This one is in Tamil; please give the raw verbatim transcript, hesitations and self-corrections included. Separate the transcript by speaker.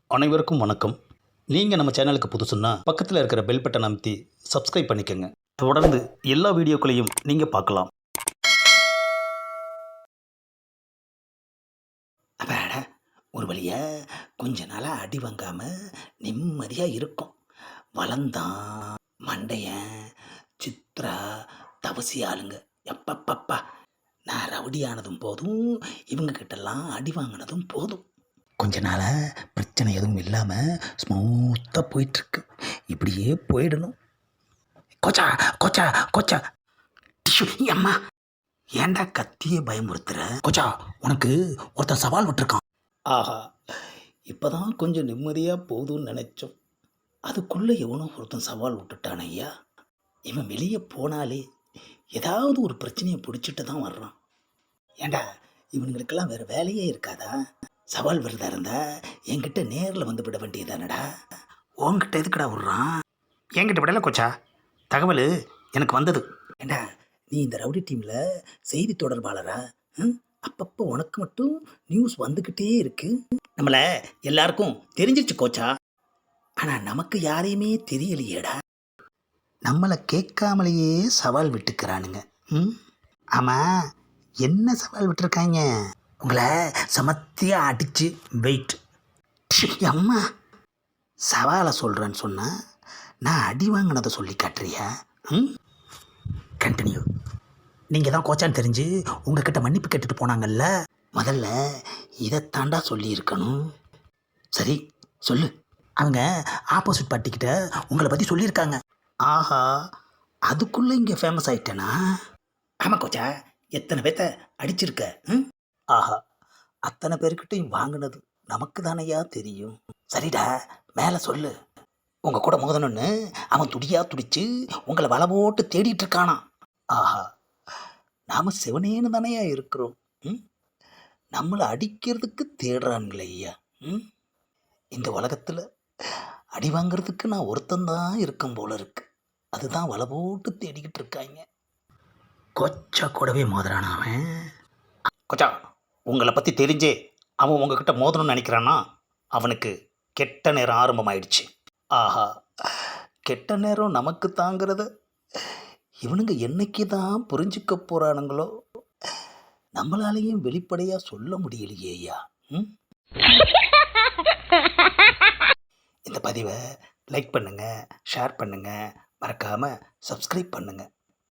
Speaker 1: அனைவருக்கும் வணக்கம். நீங்கள் நம்ம சேனலுக்கு புதுசுன்னா பக்கத்தில் இருக்கிற பெல் பட்டன் அமைத்தி சப்ஸ்கிரைப் பண்ணிக்கோங்க. தொடர்ந்து எல்லா வீடியோக்களையும் நீங்கள் பார்க்கலாம்.
Speaker 2: அப்பாடா, ஒரு வழியா கொஞ்ச நாளாக அடி வாங்காமல் நிம்மதியாக இருக்கும். வளர்ந்தான் மண்டையன் சித்ரா தவசி ஆளுங்க. எப்பப்பப்பா, நான் ரவுடி ஆனதும் போதும், இவங்க கிட்டலாம் அடி வாங்கினதும் போதும். கொஞ்ச நாளாக பிரச்சனை எதுவும் இல்லாமல் ஸ்மூத்தாக போயிட்டுருக்கு. இப்படியே போயிடணும். கோச்சா கோச்சா கோச்சா டிஷ்யூ அம்மா, ஏன்டா கத்தியே பயமுறுத்துற? கோச்சா, உனக்கு ஒருத்தன் சவால் விட்டுருக்கான். ஆஹா, இப்போதான் கொஞ்சம் நிம்மதியாக போதும்னு நினச்சோம். அதுக்குள்ளே எவனோ ஒருத்தன் சவால் விட்டுட்டான் ஐயா. இவன் வெளியே போனாலே ஏதாவது ஒரு பிரச்சனையை பிடிச்சிட்டு தான் வர்றான். ஏண்டா, இவனுங்களுக்கெல்லாம் வேறு வேலையே இருக்காதா? சவால் விடுறதா இருந்தா என்கிட்ட நேரில் வந்து விட வேண்டியதானடா. உன்கிட்ட எதுக்குடா விட்றான்? என்கிட்ட விடலை கோச்சா, தகவல் எனக்கு வந்தது. ஏண்டா, நீ இந்த ரவுடி டீமில் செய்தி தொடர்பாளரா? ம், அப்பப்போ உனக்கு மட்டும் நியூஸ் வந்துக்கிட்டே இருக்கு. நம்மளை எல்லாருக்கும் தெரிஞ்சிருச்சு கோச்சா, ஆனால் நமக்கு யாரையுமே தெரியலையேடா. நம்மளை கேட்காமலேயே சவால் விட்டுக்கிறானுங்க. ம், ஆமாம், என்ன சவால் விட்டுருக்காங்க? உங்களை சமத்தியாக அடித்து வெயிட். அம்மா, சவாலை சொல்கிறேன்னு சொன்னால் நான் அடி வாங்கினதை சொல்லி காட்டுறியா? ம், கண்டினியூ. நீங்கள் தான் கோச்சான்னு தெரிஞ்சு உங்ககிட்ட மன்னிப்பு கேட்டுட்டு போனாங்கல்ல, முதல்ல இதைத்தாண்டா சொல்லியிருக்கணும். சரி சொல்லு. அவங்க ஆப்போசிட் பார்ட்டிக்கிட்ட உங்களை பற்றி சொல்லியிருக்காங்க. ஆஹா, அதுக்குள்ளே இங்கே ஃபேமஸ் ஆகிட்டேனா? ஆமாம் கோச்சா, எத்தனை பேர்த்த அடிச்சிருக்க? ம், ஆஹா, அத்தனை பேர்கிட்டையும் வாங்கினது நமக்கு தானையா தெரியும். சரிடா, மேலே சொல்லு. உங்கள் கூட மோதணுன்னு அவன் துடியா துடிச்சு உங்களை வலை போட்டு தேடிட்டு இருக்கானா? ஆஹா, நாம் சிவனேன்னு தானையா இருக்கிறோம். ம், நம்மளை அடிக்கிறதுக்கு தேடுறானுங்களே ஐயா. ம், இந்த உலகத்தில் அடி வாங்கிறதுக்கு நான் ஒருத்தந்தான் இருக்கும் போல இருக்கு. அதுதான் வலை போட்டு தேடிக்கிட்டு இருக்காங்க. கொச்சா கூடவே மோதுறானா அவன்? கொச்சா, உங்களை பற்றி தெரிஞ்சே அவன் உங்ககிட்ட மோதணும்னு நினைக்கிறான்னா அவனுக்கு கெட்ட நேரம் ஆரம்பமாயிடுச்சு. ஆஹா, கெட்ட நேரம் நமக்கு தாங்கிறத இவனுங்க என்னைக்கு தான் புரிஞ்சுக்க போகிறானுங்களோ. நம்மளாலேயும் வெளிப்படையாக சொல்ல முடியலையே ஐயா. ம், இந்த பதிவை லைக் பண்ணுங்கள், ஷேர் பண்ணுங்கள், மறக்காமல் சப்ஸ்கிரைப் பண்ணுங்கள்.